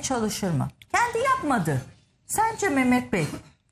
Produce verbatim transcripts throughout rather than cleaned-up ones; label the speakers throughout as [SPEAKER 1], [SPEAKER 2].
[SPEAKER 1] çalışır mı? Kendi yapmadı. Sence Mehmet Bey?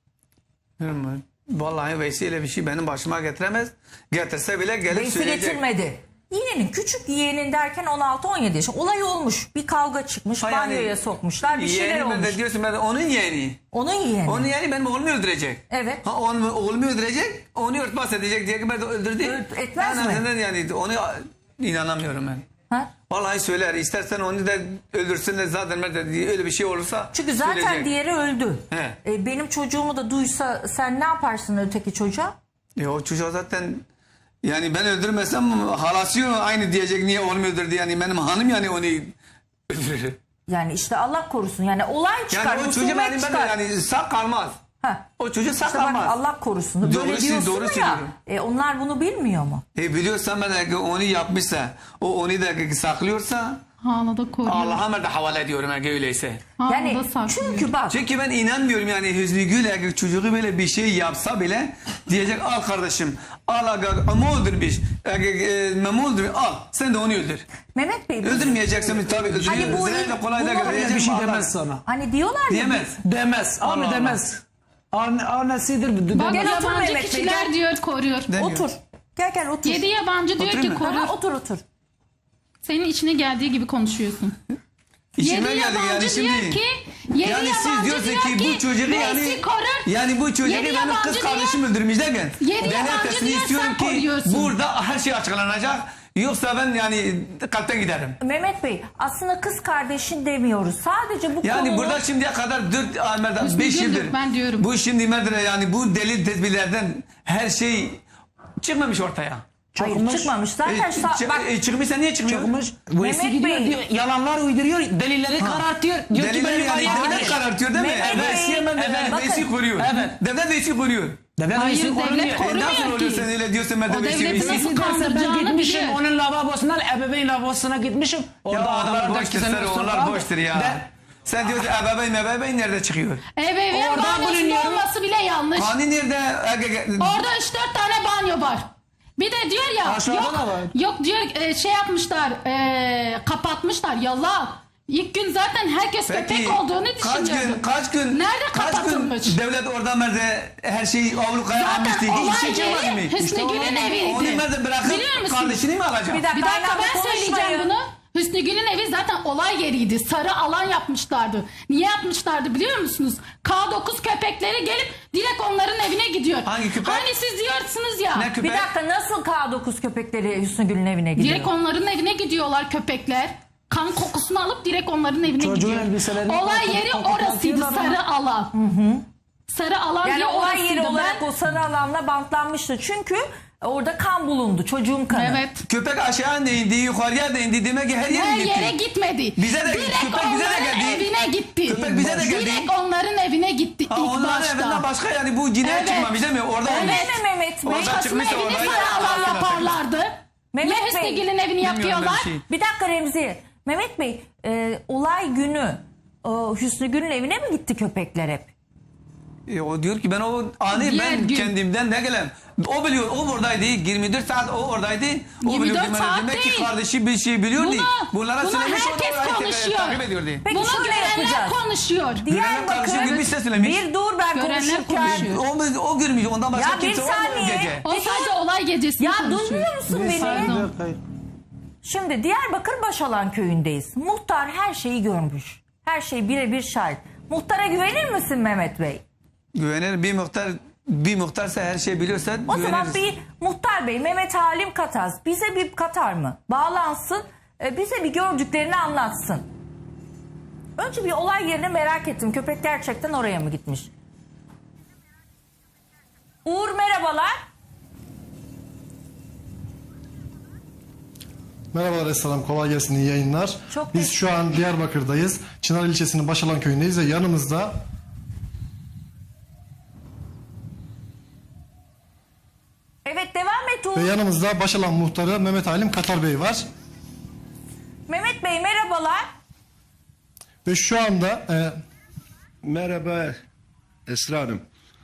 [SPEAKER 2] Vallahi vesile bir şey benim başıma getiremez. Getirse bile gelip
[SPEAKER 1] Veysi
[SPEAKER 2] söyleyecek.
[SPEAKER 1] getirmedi. Yeğenin, küçük yeğenin derken on altı on yedi yaş. Olay olmuş. Bir kavga çıkmış.
[SPEAKER 2] Ha yani,
[SPEAKER 1] banyoya sokmuşlar. Bir şeyler
[SPEAKER 2] yeğeni ben
[SPEAKER 1] olmuş.
[SPEAKER 2] de diyorsun ben de onun yeğeni.
[SPEAKER 1] Onun yeğeni.
[SPEAKER 2] Onun yeğeni benim oğlumu öldürecek.
[SPEAKER 1] Evet.
[SPEAKER 2] Ha onu, oğlumu öldürecek, onu örtbas edecek diye ki ben de öldürdü.
[SPEAKER 1] Ölt- etmez
[SPEAKER 2] En
[SPEAKER 1] mi?
[SPEAKER 2] azından yani onu inanamıyorum ben.
[SPEAKER 1] Ha?
[SPEAKER 2] Vallahi söyler. İstersen onu da öldürsün de zaten ben de öyle bir şey olursa
[SPEAKER 1] Çünkü zaten
[SPEAKER 2] söyleyecek.
[SPEAKER 1] diğeri öldü.
[SPEAKER 2] He.
[SPEAKER 1] E, benim çocuğumu da duysa sen ne yaparsın öteki çocuğa?
[SPEAKER 2] E o çocuğa zaten yani ben öldürmesem halası aynı diyecek niye oğlumu öldürdü yani benim hanım yani onu öldürür.
[SPEAKER 1] Yani işte Allah korusun. Yani olay çıkar.
[SPEAKER 2] Yani o çocuğum
[SPEAKER 1] husumet
[SPEAKER 2] yani ben de
[SPEAKER 1] çıkar.
[SPEAKER 2] yani sağ kalmaz.
[SPEAKER 1] Ha.
[SPEAKER 2] O çocuk sağ
[SPEAKER 1] İşte bak,
[SPEAKER 2] kalmaz.
[SPEAKER 1] Allah korusun. Böyle
[SPEAKER 2] Doğru,
[SPEAKER 1] diyorsun
[SPEAKER 2] doğru
[SPEAKER 1] ya.
[SPEAKER 2] söylüyorum.
[SPEAKER 1] E, onlar bunu bilmiyor mu?
[SPEAKER 2] E biliyorsan ben de onu yapmışsa o onu da saklıyorsa
[SPEAKER 3] Hala da koruyor.
[SPEAKER 2] Allah'a da havale ediyorum eğer öyleyse.
[SPEAKER 3] Hala
[SPEAKER 1] Yani
[SPEAKER 3] da saklıyor.
[SPEAKER 1] çünkü bak.
[SPEAKER 2] Çünkü ben inanmıyorum yani Hüsnü Gül eğer çocuğu böyle bir şey yapsa bile diyecek al kardeşim al aga ama öldürmüş memu öldürmüş al sen de onu öldür.
[SPEAKER 1] Mehmet Bey.
[SPEAKER 2] Öldürmeyeceksin tabii öldürüyor.
[SPEAKER 1] Hani bu-
[SPEAKER 2] Özellikle kolay da
[SPEAKER 1] bu-
[SPEAKER 2] diyecek
[SPEAKER 4] Bir şey
[SPEAKER 2] Allah-
[SPEAKER 4] demez sana.
[SPEAKER 1] Hani diyorlar ya.
[SPEAKER 2] Diyemez.
[SPEAKER 4] Demez. Abi
[SPEAKER 2] Allah
[SPEAKER 4] demez. Anne, annesidir.
[SPEAKER 3] Bak
[SPEAKER 1] Gel otur
[SPEAKER 3] yabancı
[SPEAKER 1] Mehmet Bey,
[SPEAKER 3] kişiler
[SPEAKER 1] gel.
[SPEAKER 3] diyor koruyor.
[SPEAKER 2] Demiyor.
[SPEAKER 1] Otur. Gel gel otur.
[SPEAKER 3] Yedi yabancı diyor
[SPEAKER 2] Oturayım
[SPEAKER 3] ki
[SPEAKER 2] mı?
[SPEAKER 3] koruyor.
[SPEAKER 1] Ha, otur otur.
[SPEAKER 3] Senin içine geldiği gibi konuşuyorsun.
[SPEAKER 2] İşime
[SPEAKER 3] Yedi
[SPEAKER 2] geldi yani
[SPEAKER 3] yabancı
[SPEAKER 2] şimdi.
[SPEAKER 3] diyor ki, yedi
[SPEAKER 2] Yani siz
[SPEAKER 3] yabancı
[SPEAKER 2] diyorsun
[SPEAKER 3] diyor
[SPEAKER 2] ki bu çocuğu yani
[SPEAKER 3] Veysi korur.
[SPEAKER 2] yani bu çocuğu
[SPEAKER 3] Yedi
[SPEAKER 2] benim
[SPEAKER 3] yabancı
[SPEAKER 2] kız
[SPEAKER 3] diyor.
[SPEAKER 2] kardeşim öldürmüş derken
[SPEAKER 3] Yedi
[SPEAKER 2] ben
[SPEAKER 3] yabancı
[SPEAKER 2] ertesini
[SPEAKER 3] diyor,
[SPEAKER 2] istiyorum
[SPEAKER 3] sen
[SPEAKER 2] ki
[SPEAKER 3] koruyorsun.
[SPEAKER 2] burada her şey açıklanacak. Yoksa ben yani kalpten giderim.
[SPEAKER 1] Mehmet Bey aslında kız kardeşin demiyoruz. Sadece bu
[SPEAKER 2] Yani
[SPEAKER 1] konunun...
[SPEAKER 2] burada şimdiye kadar dört,
[SPEAKER 3] Hüsnü
[SPEAKER 2] beş
[SPEAKER 3] Güldür,
[SPEAKER 2] yıldır.
[SPEAKER 3] ben diyorum.
[SPEAKER 2] Bu şimdi Medre yani bu delil tedbirlerden her şey çıkmamış ortaya.
[SPEAKER 1] Hayır
[SPEAKER 4] Çıkmış.
[SPEAKER 1] çıkmamış. Zaten
[SPEAKER 2] E,
[SPEAKER 1] sa-
[SPEAKER 2] çı-
[SPEAKER 1] bak
[SPEAKER 2] e, çıkmışsa niye çıkmıyor?
[SPEAKER 4] Çıkmış.
[SPEAKER 1] Mehmet
[SPEAKER 4] Veysi gidiyor
[SPEAKER 1] Bey.
[SPEAKER 4] diyor. Yalanlar uyduruyor. Delilleri karartıyor. Diyor ki ben
[SPEAKER 2] Deliller yani
[SPEAKER 4] yukarıya
[SPEAKER 2] devlet
[SPEAKER 4] giderim.
[SPEAKER 2] karartıyor değil mi?
[SPEAKER 1] Mehmet Bey.
[SPEAKER 2] Veysi hemen
[SPEAKER 4] Evet,
[SPEAKER 2] devlet
[SPEAKER 1] bakın.
[SPEAKER 2] Veysi koruyor.
[SPEAKER 4] Evet.
[SPEAKER 2] Devlet Veysi koruyor.
[SPEAKER 4] Devlet
[SPEAKER 3] Hayır,
[SPEAKER 4] Veysi
[SPEAKER 3] devlet
[SPEAKER 4] korunuyor.
[SPEAKER 3] koruyor.
[SPEAKER 2] E nasıl
[SPEAKER 3] ki.
[SPEAKER 2] oluyor sen öyle diyorsun ben de
[SPEAKER 3] O
[SPEAKER 2] Veysi
[SPEAKER 3] devletin
[SPEAKER 2] Veysi.
[SPEAKER 3] nasıl
[SPEAKER 4] Nasıl derse ben
[SPEAKER 3] kandıracağını
[SPEAKER 4] gitmişim
[SPEAKER 3] bilir.
[SPEAKER 4] onun lavabosundan ebeveyn lavabosuna gitmişim.
[SPEAKER 2] Ya
[SPEAKER 4] Orada
[SPEAKER 2] onlar
[SPEAKER 4] adamlar
[SPEAKER 2] boştur
[SPEAKER 4] da
[SPEAKER 2] sen onlar boştur ya.
[SPEAKER 4] Ben,
[SPEAKER 2] Sen diyorsun ebeveyn ebeveyn nerede çıkıyor?
[SPEAKER 3] Ebeveyn
[SPEAKER 4] Orada
[SPEAKER 3] banyosunda
[SPEAKER 4] bulunuyorum.
[SPEAKER 3] olması bile yanlış.
[SPEAKER 2] Hani nerede?
[SPEAKER 3] Orada üç dört tane banyo var. Bir de diyor ya
[SPEAKER 4] Aşağıda
[SPEAKER 3] yok,
[SPEAKER 4] da var.
[SPEAKER 3] yok diyor e, şey yapmışlar e, kapatmışlar yalan. İlk gün zaten herkes köpek olduğunu
[SPEAKER 2] kaç
[SPEAKER 3] düşünüyordu.
[SPEAKER 2] gün kaç gün
[SPEAKER 3] Nerede
[SPEAKER 2] kaç gün
[SPEAKER 3] kapatılmış?
[SPEAKER 2] devlet orada merde her şeyi ablukaya almıştı.
[SPEAKER 3] Zaten olay
[SPEAKER 2] Hiç şey yapmadı mı?
[SPEAKER 3] yeri Hüsnü Gül'ün eviydi.
[SPEAKER 2] Onu nerede bırakıp
[SPEAKER 3] Biliyor musun?
[SPEAKER 2] kardeşini mi alacak?
[SPEAKER 1] Bir dakika.
[SPEAKER 3] Bir dakika
[SPEAKER 1] Aynen,
[SPEAKER 3] ben
[SPEAKER 1] konuşmayın.
[SPEAKER 3] söyleyeceğim bunu. Hüsnü Gül'ün evi zaten olay yeriydi. Sarı alan yapmışlardı. Niye yapmışlardı biliyor musunuz? K dokuz köpekleri gelip direkt onların evine gidiyor.
[SPEAKER 2] Hangi köpek?
[SPEAKER 3] Hani siz diyorsunuz ya.
[SPEAKER 2] Ne köpek?
[SPEAKER 1] Bir dakika nasıl K dokuz köpekleri Hüsnü Gül'ün evine gidiyor?
[SPEAKER 3] Direkt onların evine gidiyorlar köpekler. Kan kokusunu alıp direkt onların evine
[SPEAKER 4] Çocuğun
[SPEAKER 3] gidiyor.
[SPEAKER 4] elbiselerini
[SPEAKER 3] Olay
[SPEAKER 4] kokut-
[SPEAKER 3] yeri
[SPEAKER 4] kokut
[SPEAKER 3] orasıydı,
[SPEAKER 4] atıyorlar ama.
[SPEAKER 3] sarı alan. Sarı alan
[SPEAKER 1] Yani
[SPEAKER 3] diye
[SPEAKER 1] olay yeri
[SPEAKER 3] orasıydı.
[SPEAKER 1] olarak
[SPEAKER 3] Ben-
[SPEAKER 1] o sarı alanla bantlanmıştı. Çünkü orada kan bulundu. Çocuğun kanı.
[SPEAKER 3] Evet.
[SPEAKER 2] Köpek aşağı ne indi, yukarıya da indi demek ki her yere
[SPEAKER 3] Her
[SPEAKER 2] gitti.
[SPEAKER 3] yere gitmedi.
[SPEAKER 2] Bize de-
[SPEAKER 3] direkt
[SPEAKER 2] köpek bize de
[SPEAKER 3] onların
[SPEAKER 2] geldi.
[SPEAKER 3] evine gitti.
[SPEAKER 2] Köpek bize de geldi.
[SPEAKER 3] Direkt onların evine gitti
[SPEAKER 2] Ha,
[SPEAKER 3] ilk
[SPEAKER 2] onların
[SPEAKER 3] başta.
[SPEAKER 2] evinden başka yani bu cinayet
[SPEAKER 3] Evet.
[SPEAKER 2] çıkmamış değil mi? Orada
[SPEAKER 3] Evet.
[SPEAKER 2] olmuş.
[SPEAKER 1] Değil mi Mehmet Bey?
[SPEAKER 2] Orada
[SPEAKER 3] Başkasının
[SPEAKER 2] çıkmışsa
[SPEAKER 3] evini
[SPEAKER 2] orada-
[SPEAKER 3] sarı alan
[SPEAKER 2] Orada-
[SPEAKER 3] yaparlardı.
[SPEAKER 1] Mehmet
[SPEAKER 3] Niye Hüsnü
[SPEAKER 1] Bey.
[SPEAKER 3] Gül'ün evini
[SPEAKER 2] Bilmiyorum ben
[SPEAKER 3] yapıyorlar?
[SPEAKER 2] bir şey.
[SPEAKER 1] Bir dakika Remzi. Mehmet Bey e, olay günü o, Hüsnü Gül'ün evine mi gitti köpekler hep?
[SPEAKER 2] E, o diyor ki ben o anı
[SPEAKER 3] Diğer
[SPEAKER 2] ben
[SPEAKER 3] gün.
[SPEAKER 2] kendimden ne gelem. O biliyor o buradaydı yirmi dört saat o oradaydı. O
[SPEAKER 3] yirmi
[SPEAKER 2] biliyor
[SPEAKER 3] dört
[SPEAKER 2] demek,
[SPEAKER 3] saat
[SPEAKER 2] demek
[SPEAKER 3] değil.
[SPEAKER 2] ki kardeşi bir şey biliyordu.
[SPEAKER 3] Bunu-
[SPEAKER 2] Bunlara
[SPEAKER 3] bunu
[SPEAKER 2] söylemiş o da
[SPEAKER 3] herkes
[SPEAKER 2] orayı
[SPEAKER 3] konuşuyor.
[SPEAKER 2] takip ediyordu.
[SPEAKER 1] Peki
[SPEAKER 3] Bunu
[SPEAKER 1] şöyle
[SPEAKER 3] görenler
[SPEAKER 1] yapacağız.
[SPEAKER 3] konuşuyor.
[SPEAKER 2] Görenler kardeşim gibi bir ses söylemiş.
[SPEAKER 1] Bir dur ben
[SPEAKER 3] Görenler
[SPEAKER 1] konuşurken.
[SPEAKER 3] konuşuyor.
[SPEAKER 2] O, o görmüş ondan başka
[SPEAKER 1] Ya bir
[SPEAKER 2] kimse olmuyor o
[SPEAKER 1] saniye.
[SPEAKER 2] gece.
[SPEAKER 3] O sadece olay gecesini
[SPEAKER 1] Ya
[SPEAKER 3] konuşuyor.
[SPEAKER 1] duymuyor musun beni?
[SPEAKER 3] Pardon.
[SPEAKER 1] Şimdi Diyarbakır Başalan köyündeyiz. Muhtar her şeyi görmüş. Her şey birebir şahit. Muhtara güvenir misin Mehmet Bey?
[SPEAKER 2] Güvenir bir muhtar bir muhtarsa her şeyi biliyorsa
[SPEAKER 1] O
[SPEAKER 2] güveniriz.
[SPEAKER 1] zaman bir muhtar bey Mehmet Halim Kataz bize bir katar mı? Bağlansın e, bize bir gördüklerini anlatsın. Önce bir olay yerini merak ettim. Köpek gerçekten oraya mı gitmiş? Uğur merhabalar.
[SPEAKER 5] Merhabalar Esselam, kolay gelsin, iyi yayınlar.
[SPEAKER 1] Çok
[SPEAKER 5] Biz
[SPEAKER 1] teşekkür-
[SPEAKER 5] şu an Diyarbakır'dayız. Çınar ilçesinin Başalan köyündeyiz ve yanımızda
[SPEAKER 1] Evet devam et Uğur.
[SPEAKER 5] ve yanımızda Başalan muhtarı Mehmet Halim Katar Bey var.
[SPEAKER 1] Mehmet Bey merhabalar.
[SPEAKER 5] Ve şu anda e,
[SPEAKER 6] Merhaba Esra Hanım.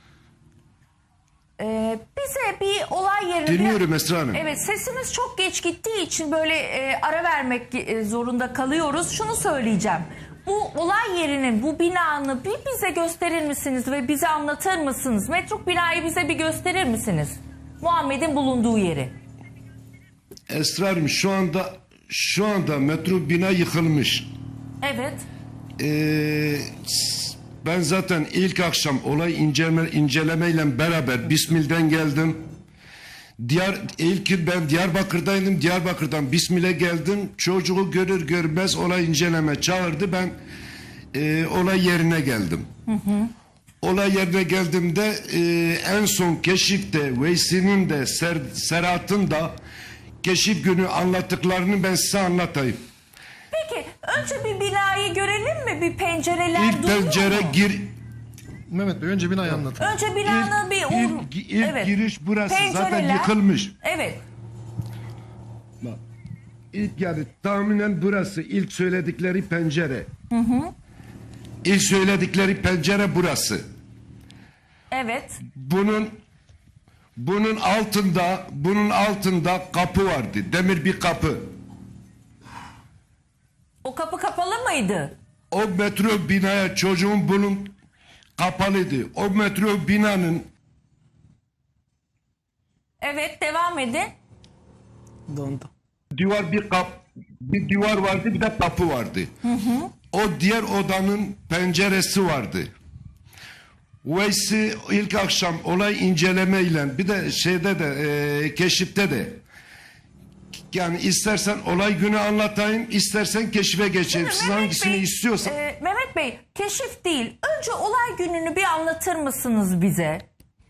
[SPEAKER 1] Ee, bize bir olay yerini...
[SPEAKER 6] Dinliyorum Esra Hanım.
[SPEAKER 1] Evet sesimiz çok geç gittiği için böyle e, ara vermek e, zorunda kalıyoruz. Şunu söyleyeceğim. bu olay yerinin, bu binanı bir bize gösterir misiniz ve bize anlatır mısınız? Metruk binayı bize bir gösterir misiniz? Muhammed'in bulunduğu yeri.
[SPEAKER 6] Esrarım şu anda şu anda metro bina yıkılmış.
[SPEAKER 1] Evet.
[SPEAKER 6] Ee, ben zaten ilk akşam olay inceleme, incelemeyle beraber Bismil'den geldim. Diyar, ilk ben Diyarbakır'daydım. Diyarbakır'dan Bismil'e geldim. Çocuğu görür görmez olay inceleme çağırdı. Ben e, olay yerine geldim. Hı hı. Olay yerine geldiğimde e, en son keşifte Veysi'nin de Ser, Serhat'ın da keşif günü anlattıklarını ben size anlatayım.
[SPEAKER 1] Peki önce bir binayı görelim mi? Bir pencereler
[SPEAKER 6] İlk
[SPEAKER 1] duruyor
[SPEAKER 6] pencere
[SPEAKER 1] mu?
[SPEAKER 6] gir
[SPEAKER 1] Önce binanın
[SPEAKER 6] İlk-
[SPEAKER 1] bir...
[SPEAKER 6] ilk- ilk giriş burası. Zaten
[SPEAKER 1] Pencereler.
[SPEAKER 6] yıkılmış.
[SPEAKER 1] Evet.
[SPEAKER 6] Bak, İlk yani tahminen burası ilk söyledikleri pencere. Hı hı. İlk söyledikleri pencere burası.
[SPEAKER 1] Evet.
[SPEAKER 6] Bunun bunun altında bunun altında kapı vardı. Demir bir kapı.
[SPEAKER 1] O kapı kapalı mıydı?
[SPEAKER 6] O metro binaya çocuğun bunun kapalıydı. O metro binanın
[SPEAKER 1] Evet, devam edin.
[SPEAKER 4] Dondu.
[SPEAKER 6] duvar bir kap bir duvar vardı, bir de kapı vardı. Hı hı. O diğer odanın penceresi vardı. Veysi ilk akşam olay incelemeyle bir de şeyde de e, keşifte de yani istersen olay günü anlatayım, istersen keşife geçeyim. Siz
[SPEAKER 1] Mehmet
[SPEAKER 6] hangisini
[SPEAKER 1] Bey,
[SPEAKER 6] istiyorsan.
[SPEAKER 1] e, Mehmet Bey, keşif değil. Önce olay gününü bir anlatır mısınız bize?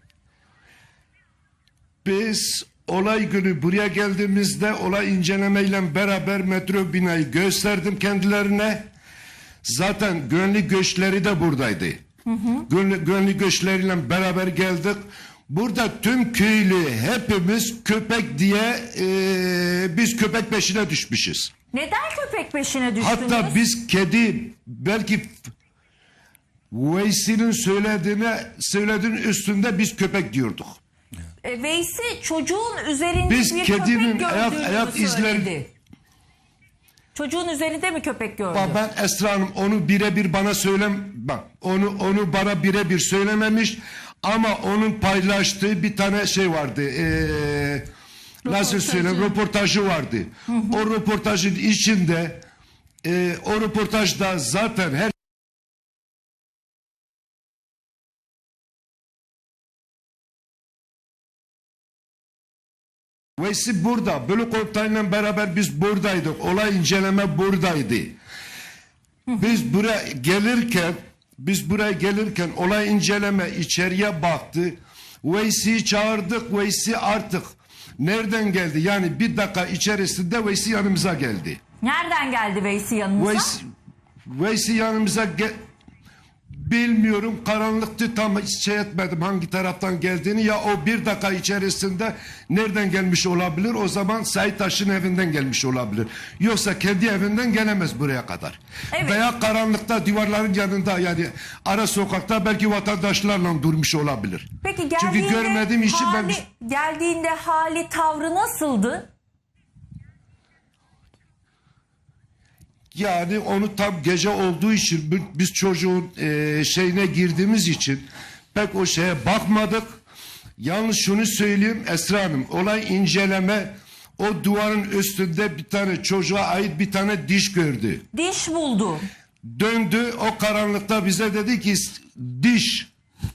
[SPEAKER 6] Biz olay günü buraya geldiğimizde olay incelemeyle beraber metro binayı gösterdim kendilerine. Zaten gönlü göçleri de buradaydı. Hı hı. Gönlü, gönlü göçleriyle beraber geldik. Burada tüm köylü hepimiz köpek diye e, biz köpek peşine düşmüşüz.
[SPEAKER 1] Neden köpek peşine düştünüz?
[SPEAKER 6] Hatta biz kedi belki Veysi'nin söylediğine söylediğinin üstünde biz köpek diyorduk.
[SPEAKER 1] E, Veysi çocuğun üzerinde
[SPEAKER 6] Biz
[SPEAKER 1] bir
[SPEAKER 6] kedinin
[SPEAKER 1] köpek
[SPEAKER 6] ayak-
[SPEAKER 1] gördüğünü
[SPEAKER 6] ayak
[SPEAKER 1] söyledi.
[SPEAKER 6] izleri-
[SPEAKER 1] Çocuğun üzerinde mi köpek gördü?
[SPEAKER 6] Bak ben Esra Hanım onu birebir bana söylem bak onu onu bana birebir söylememiş ama onun paylaştığı bir tane şey vardı. Ee, nasıl söyleyeyim röportajı vardı. Hı hı. O röportajın içinde e, o röportajda zaten her Veysi burada. Bölük komutanıyla beraber biz buradaydık. Olay inceleme buradaydı. Biz buraya gelirken biz buraya gelirken olay inceleme içeriye baktı. Veysi'yi çağırdık. Veysi artık nereden geldi? Yani bir dakika içerisinde Veysi yanımıza geldi.
[SPEAKER 1] Nereden geldi Veysi yanınıza?
[SPEAKER 6] Veysi, Veysi yanımıza gel... Bilmiyorum karanlıktı tam şey etmedim hangi taraftan geldiğini ya o bir dakika içerisinde nereden gelmiş olabilir o zaman Sait Taş'ın evinden gelmiş olabilir. Yoksa kendi evinden gelemez buraya kadar.
[SPEAKER 1] Evet.
[SPEAKER 6] Veya karanlıkta duvarların yanında yani ara sokakta belki vatandaşlarla durmuş olabilir.
[SPEAKER 1] Peki geldiğinde
[SPEAKER 6] Çünkü görmediğim için
[SPEAKER 1] hali,
[SPEAKER 6] ben...
[SPEAKER 1] geldiğinde hali tavrı nasıldı?
[SPEAKER 6] Yani onu tam gece olduğu için biz çocuğun e, şeyine girdiğimiz için pek o şeye bakmadık. Yalnız şunu söyleyeyim Esra Hanım olay inceleme o duvarın üstünde bir tane çocuğa ait bir tane diş gördü.
[SPEAKER 1] Diş buldu.
[SPEAKER 6] Döndü o karanlıkta bize dedi ki diş.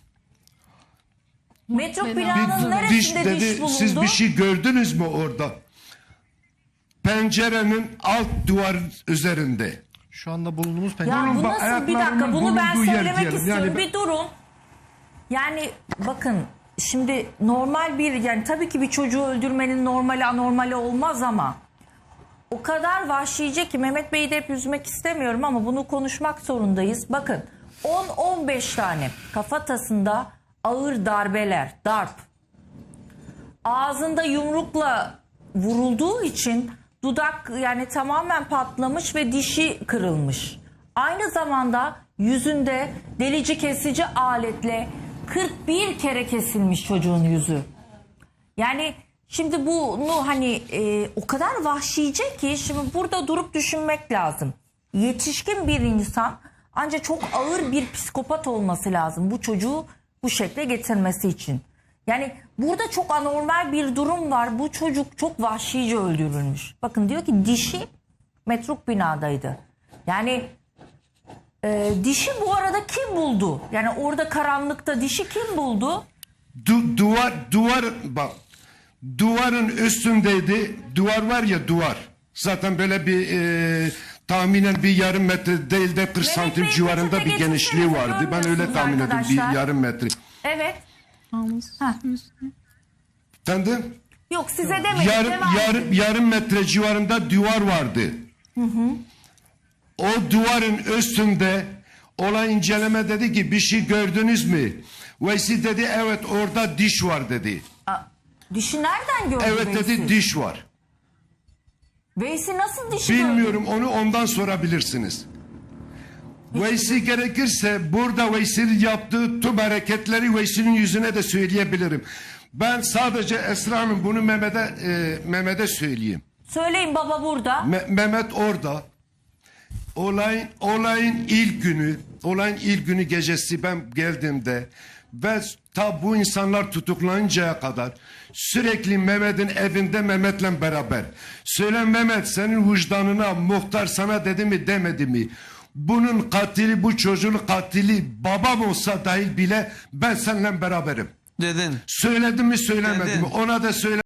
[SPEAKER 1] Metruk
[SPEAKER 3] Bir
[SPEAKER 1] binanın
[SPEAKER 6] Bir diş
[SPEAKER 1] neresinde diş,
[SPEAKER 6] dedi
[SPEAKER 1] bulundu?
[SPEAKER 6] siz bir şey gördünüz mü orada? Pencerenin alt duvar üzerinde.
[SPEAKER 5] Şu anda bulunduğumuz
[SPEAKER 1] Ya
[SPEAKER 5] pencere.
[SPEAKER 1] bu
[SPEAKER 6] bak,
[SPEAKER 1] nasıl bir dakika
[SPEAKER 6] ayaklarının
[SPEAKER 1] bunu ben
[SPEAKER 6] bulunduğu yer
[SPEAKER 1] söylemek
[SPEAKER 6] diyelim.
[SPEAKER 1] istiyorum.
[SPEAKER 6] Yani ben-
[SPEAKER 1] Bir durun. Yani bakın şimdi normal bir yani tabii ki bir çocuğu öldürmenin normali anormali olmaz ama o kadar vahşice ki Mehmet Bey'i de hep üzmek istemiyorum ama bunu konuşmak zorundayız. Bakın on on beş tane kafatasında ağır darbeler, darp. Ağzında yumrukla vurulduğu için dudak yani tamamen patlamış ve dişi kırılmış. Aynı zamanda yüzünde delici kesici aletle kırk bir kere kesilmiş çocuğun yüzü. Yani şimdi bunu hani e, o kadar vahşice ki şimdi burada durup düşünmek lazım. yetişkin bir insan ancak çok ağır bir psikopat olması lazım bu çocuğu bu şekle getirmesi için. Yani burada çok anormal bir durum var. Bu çocuk çok vahşice öldürülmüş. Bakın diyor ki dişi metruk binadaydı. Yani e, dişi bu arada kim buldu? Yani orada karanlıkta dişi kim buldu?
[SPEAKER 6] Du, duvar duvar bak duvarın üstündeydi. Duvar var ya duvar. Zaten böyle bir e, tahminen bir yarım metre değil de kırk
[SPEAKER 1] Mehmet
[SPEAKER 6] santim
[SPEAKER 1] Bey,
[SPEAKER 6] civarında
[SPEAKER 1] peçete
[SPEAKER 6] bir genişliği
[SPEAKER 1] getirsenize,
[SPEAKER 6] vardı. Ben öyle
[SPEAKER 1] görmüyorsunuz
[SPEAKER 6] tahmin ettim
[SPEAKER 1] arkadaşlar.
[SPEAKER 6] bir yarım metre.
[SPEAKER 1] Evet. Ha.
[SPEAKER 6] Efendim?
[SPEAKER 1] Yok size demedim.
[SPEAKER 6] Yarım,
[SPEAKER 1] devam
[SPEAKER 6] yarım,
[SPEAKER 1] edin.
[SPEAKER 6] yarım metre civarında duvar vardı. O duvarın üstünde olay inceleme dedi ki bir şey gördünüz mü? Veysi dedi evet orada diş var dedi.
[SPEAKER 1] Aa, dişi nereden gördü
[SPEAKER 6] Evet
[SPEAKER 1] Veysi?
[SPEAKER 6] dedi diş var.
[SPEAKER 1] Veysi nasıl dişi gördü?
[SPEAKER 6] Bilmiyorum onu ondan sorabilirsiniz. Veysi gerekirse burada Veysi'nin yaptığı tüm hareketleri Veysi'nin yüzüne de söyleyebilirim. Ben sadece Esra Hanım bunu Mehmet'e e, Mehmet'e söyleyeyim.
[SPEAKER 1] Söyleyin baba burada.
[SPEAKER 6] Me- Mehmet orada. Olayın olayın ilk günü, olayın ilk günü gecesi ben geldiğimde ve ta bu insanlar tutuklanıncaya kadar sürekli Mehmet'in evinde Mehmet'le beraber. Söyle Mehmet senin vicdanına muhtar sana dedi mi demedi mi? Bunun katili bu çocuğun katili babam olsa dahi bile ben seninle beraberim.
[SPEAKER 2] Dedin.
[SPEAKER 6] Söyledim mi söylemedim
[SPEAKER 2] Dedin.
[SPEAKER 6] mi? Ona da söyle.